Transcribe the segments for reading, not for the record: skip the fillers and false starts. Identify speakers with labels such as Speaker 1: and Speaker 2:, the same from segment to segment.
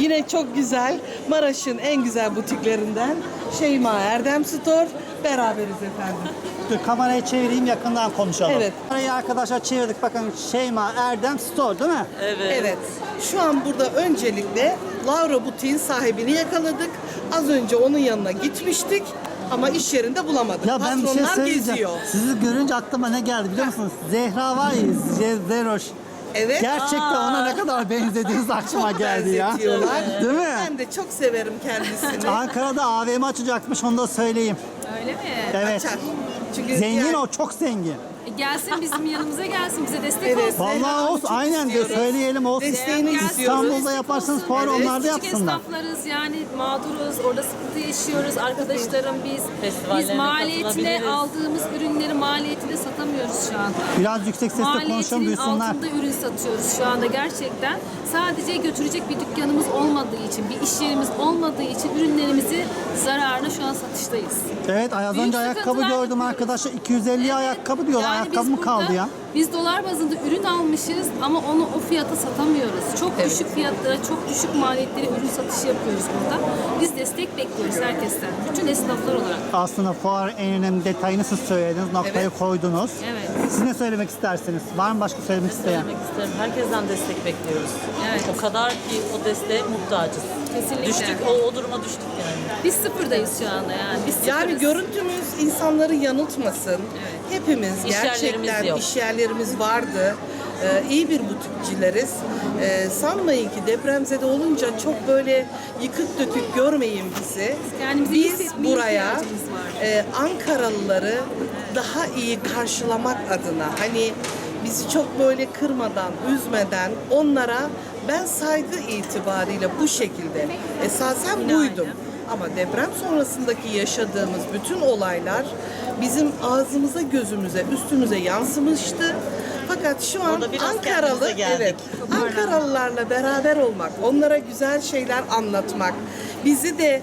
Speaker 1: Yine çok güzel, Maraş'ın en güzel butiklerinden Şeyma Erdem Store. Beraberiz efendim.
Speaker 2: Dur kamerayı çevireyim, yakından konuşalım.
Speaker 1: Evet.
Speaker 2: Kamerayı arkadaşlar çevirdik. Bakın Şeyma Erdem Store değil mi?
Speaker 1: Evet. Şu an burada öncelikle Laura Butik'in sahibini yakaladık. Az önce onun yanına gitmiştik ama iş yerinde bulamadık.
Speaker 2: Ya ben bir şey
Speaker 1: Patronlar
Speaker 2: söyleyeceğim.
Speaker 1: geziyor.
Speaker 2: Sizi görünce aklıma ne geldi biliyor musunuz? Zehra var ya, Zeroş.
Speaker 1: Evet.
Speaker 2: Gerçekten ona ne kadar benzediğiniz aklıma
Speaker 1: Çok
Speaker 2: geldi ya.
Speaker 1: benzetiyorlar.
Speaker 2: Değil mi?
Speaker 1: Ben de çok severim kendisini.
Speaker 2: Ankara'da AVM açacakmış, onu da söyleyeyim.
Speaker 3: Öyle mi?
Speaker 2: Evet.
Speaker 1: Açar. Çünkü
Speaker 2: Zengin
Speaker 1: yani-
Speaker 2: o, çok zengin.
Speaker 3: Gelsin bizim yanımıza gelsin, bize destek
Speaker 1: Evet.
Speaker 3: olsun.
Speaker 2: Vallahi
Speaker 1: Zehra'nı
Speaker 2: olsun,
Speaker 1: çok
Speaker 2: aynen de
Speaker 1: istiyoruz.
Speaker 2: söyleyelim olsun.
Speaker 1: Desteğini
Speaker 3: Gelsin,
Speaker 1: istiyoruz.
Speaker 2: İstanbul'da
Speaker 3: destek
Speaker 2: yaparsanız
Speaker 3: olsun.
Speaker 2: fuarı
Speaker 1: Evet.
Speaker 2: onlar da
Speaker 3: Küçük
Speaker 2: yapsınlar.
Speaker 3: esnaflarız yani mağduruz, orada sıkıntı yaşıyoruz. Arkadaşlarım biz
Speaker 4: Festivallerine
Speaker 3: maliyetine
Speaker 4: katılabiliriz.
Speaker 3: aldığımız ürünleri maliyetine satamıyoruz şu anda.
Speaker 2: Biraz yüksek sesle konuşalım,
Speaker 3: Maliyetinin
Speaker 2: duysunlar.
Speaker 3: altında ürün satıyoruz şu anda gerçekten. Sadece götürecek bir dükkanımız olmadığı için, bir iş yerimiz olmadığı için ürünlerimizi zararına şu an satıştayız.
Speaker 2: Evet, az
Speaker 3: Büyük
Speaker 2: önce ayakkabı
Speaker 3: sıkıntılar
Speaker 2: gördüm
Speaker 3: yaşıyoruz.
Speaker 2: arkadaşlar. 250 ayakkabı diyorlar.
Speaker 3: Yani
Speaker 2: Ayakkabı
Speaker 3: biz
Speaker 2: mı
Speaker 3: burada-
Speaker 2: kaldı ya?
Speaker 3: Biz dolar bazında ürün almışız ama onu o fiyata satamıyoruz. Çok düşük fiyatlara, çok düşük maliyetlere ürün satışı yapıyoruz burada. Biz destek bekliyoruz herkesten. Bütün esnaflar olarak.
Speaker 2: Aslında fuarın en önemli detayını siz söylediniz, noktayı
Speaker 1: Evet.
Speaker 2: koydunuz.
Speaker 3: Evet.
Speaker 2: Siz ne söylemek istersiniz? Var mı başka söylemek isteyen?
Speaker 4: Söylemek isterim. Herkesten destek bekliyoruz.
Speaker 3: Evet.
Speaker 4: O kadar ki o desteğe muhtacız.
Speaker 3: Kesinlikle.
Speaker 4: Düştük, o duruma düştük yani.
Speaker 3: Biz sıfırdayız şu anda yani. Biz sıfırız.
Speaker 1: Yani görüntümüz insanları yanıltmasın. Hepimiz
Speaker 4: İş yerlerimiz
Speaker 1: gerçekten
Speaker 4: yok.
Speaker 1: iş yerlerimiz vardı. İyi bir butikçileriz. Sanmayın ki depremzede olunca çok böyle yıkık dökük görmeyin bizi.
Speaker 3: Kendimizi iyi
Speaker 1: Biz
Speaker 3: hissetmeye
Speaker 1: buraya
Speaker 3: ihtiyacımız var.
Speaker 1: Ankaralıları daha iyi karşılamak adına, hani bizi çok böyle kırmadan, üzmeden onlara ben saygı itibariyle bu şekilde esasen buydum. Ama deprem sonrasındaki yaşadığımız bütün olaylar bizim ağzımıza, gözümüze, üstümüze yansımıştı. Fakat şu an
Speaker 4: Orada biraz
Speaker 1: Ankaralı,
Speaker 4: kendimize geldik.
Speaker 1: evet, Ankaralılarla beraber olmak, onlara güzel şeyler anlatmak, bizi de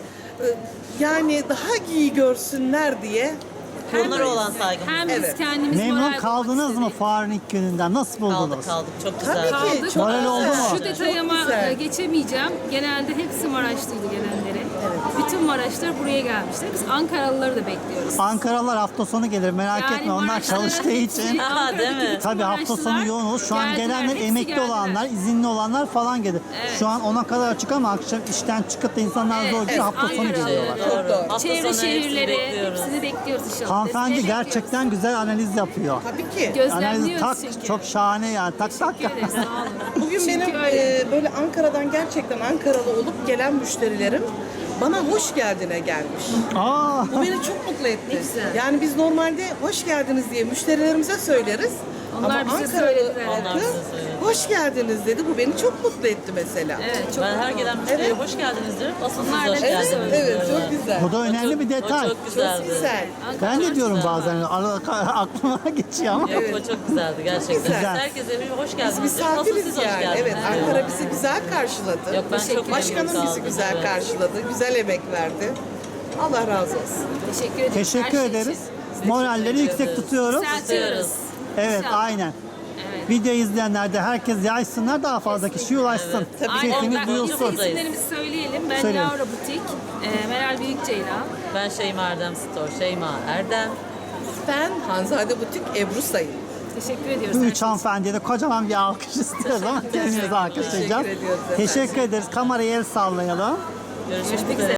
Speaker 1: yani daha iyi görsünler diye
Speaker 4: Onlara olan saygımız.
Speaker 3: Hem biz
Speaker 1: Evet.
Speaker 3: kendimiz
Speaker 2: Memnun
Speaker 3: moral
Speaker 2: kaldınız
Speaker 3: bulmak
Speaker 2: mı
Speaker 3: istedik.
Speaker 2: fuarın ilk gününden? Nasıl buldunuz?
Speaker 4: Kaldık. Çok
Speaker 1: Tabii
Speaker 4: güzel.
Speaker 1: ki.
Speaker 3: Kaldık.
Speaker 1: Çok
Speaker 2: Moral oldu mu?
Speaker 3: Şu detayıma
Speaker 1: Çok güzel.
Speaker 3: geçemeyeceğim. Genelde hepsi Maraşlıydı gelenleri. Bütün Maraşlar buraya gelmişler. Biz Ankaralıları da bekliyoruz.
Speaker 2: Ankaralılar hafta sonu gelir, merak
Speaker 3: Yani
Speaker 2: etme, onlar
Speaker 3: Maraşlara
Speaker 2: çalıştığı
Speaker 3: hepsi,
Speaker 2: için.
Speaker 3: Ankara'daki
Speaker 4: Değil mi?
Speaker 3: bütün
Speaker 2: Tabii hafta sonu
Speaker 3: Maraşlılar
Speaker 2: yoğun olur. Şu an
Speaker 3: geldiler,
Speaker 2: gelenler
Speaker 3: hepsi
Speaker 2: emekli
Speaker 3: geldiler.
Speaker 2: olanlar, izinli olanlar falan gelir.
Speaker 3: Evet.
Speaker 2: Şu an ona kadar açık ama akşam işten çıkıp da insanlar
Speaker 3: Evet,
Speaker 2: zor geliyor, hafta sonu
Speaker 3: Ankara.
Speaker 2: geliyorlar.
Speaker 1: Çok doğru.
Speaker 4: Hafta
Speaker 3: Çevre
Speaker 4: sonu hepsini
Speaker 3: şehirleri
Speaker 4: bekliyoruz.
Speaker 3: hepsini bekliyoruz inşallah.
Speaker 2: Hanımefendi
Speaker 3: Desteği
Speaker 2: gerçekten güzel analiz yapıyor.
Speaker 1: Tabii ki.
Speaker 3: bekliyoruz.
Speaker 2: Analiz
Speaker 3: Gözlemliyoruz
Speaker 2: tak,
Speaker 3: çünkü.
Speaker 2: çok şahane yani. Tak tak.
Speaker 3: Teşekkür ederiz, sağ olun.
Speaker 1: Bugün
Speaker 3: Çünkü
Speaker 1: benim
Speaker 3: öyle.
Speaker 1: böyle Ankara'dan gerçekten Ankaralı olup gelen müşterilerim bana hoş geldine gelmiş.
Speaker 2: Aa,
Speaker 1: Bu beni çok mutlu etti.
Speaker 3: Ne güzel.
Speaker 1: Yani biz normalde hoş geldiniz diye müşterilerimize söyleriz.
Speaker 3: Onlar
Speaker 1: Ama
Speaker 3: bize
Speaker 1: Ankaralı
Speaker 3: söylediler.
Speaker 4: Onlar
Speaker 1: halkı
Speaker 4: bize söyledi.
Speaker 1: hoş geldiniz dedi. Bu beni çok mutlu etti mesela.
Speaker 3: Evet, çok
Speaker 4: Ben her
Speaker 3: mutlu
Speaker 4: gelen
Speaker 3: oldum.
Speaker 4: müşteriye
Speaker 1: Evet.
Speaker 4: hoş geldiniz diyorum. Asıl siz
Speaker 3: Onlar da
Speaker 4: hoş
Speaker 3: bize
Speaker 4: geldiniz.
Speaker 3: söyledi.
Speaker 1: Evet,
Speaker 4: diyorlar.
Speaker 1: çok güzel.
Speaker 2: bu da önemli bir detay.
Speaker 4: O çok güzeldi.
Speaker 1: Çok güzel.
Speaker 3: Ankara
Speaker 2: Ben de
Speaker 3: çok
Speaker 2: diyorum
Speaker 3: güzel.
Speaker 2: bazen arada aklıma geçiyor ama.
Speaker 4: Yok o çok güzeldi gerçekten.
Speaker 1: güzel.
Speaker 4: Herkese bir hoş geldiniz.
Speaker 1: Biz
Speaker 4: diyorum. Asıl
Speaker 1: misafiriz
Speaker 4: siz hoş
Speaker 1: yani.
Speaker 4: geldiniz
Speaker 1: Evet,
Speaker 4: diyorlar.
Speaker 1: Ankara bizi güzel karşıladı.
Speaker 4: Yok ben çok memnun
Speaker 1: Başkanım bizi
Speaker 4: kaldım,
Speaker 1: güzel
Speaker 4: evet.
Speaker 1: karşıladı. Güzel emek verdi. Allah razı olsun.
Speaker 3: Teşekkür ederiz.
Speaker 2: Teşekkür
Speaker 3: her şey
Speaker 2: ederiz.
Speaker 3: için.
Speaker 2: Moralleri yüksek tutuyoruz.
Speaker 3: Yükseltiyoruz.
Speaker 2: Evet,
Speaker 3: İnşallah.
Speaker 2: aynen.
Speaker 3: Evet.
Speaker 2: Video izleyenler de herkes yaysınlar, daha fazla kişi ulaşsın.
Speaker 1: Tabii.
Speaker 3: Aynen.
Speaker 2: Sesimiz
Speaker 3: Ben
Speaker 2: duyulsun.
Speaker 3: isimlerimizi söyleyelim. Ben
Speaker 2: Söyleyin.
Speaker 3: Laura Butik, Meral Büyükceylan.
Speaker 4: Ben Şeyma Erdem Store. Şeyma Erdem.
Speaker 1: Ben Hanzade Butik Ebru Sayın.
Speaker 3: Teşekkür ediyoruz.
Speaker 2: Bu
Speaker 3: her
Speaker 2: üç
Speaker 3: şey için.
Speaker 2: hanımefendiye de kocaman bir alkış istiyoruz ama kendimizi alkışlayacağız.
Speaker 1: Teşekkür ediyoruz efendim.
Speaker 2: Teşekkür ederiz. Kameraya el sallayalım.
Speaker 4: Görüşmek üzere.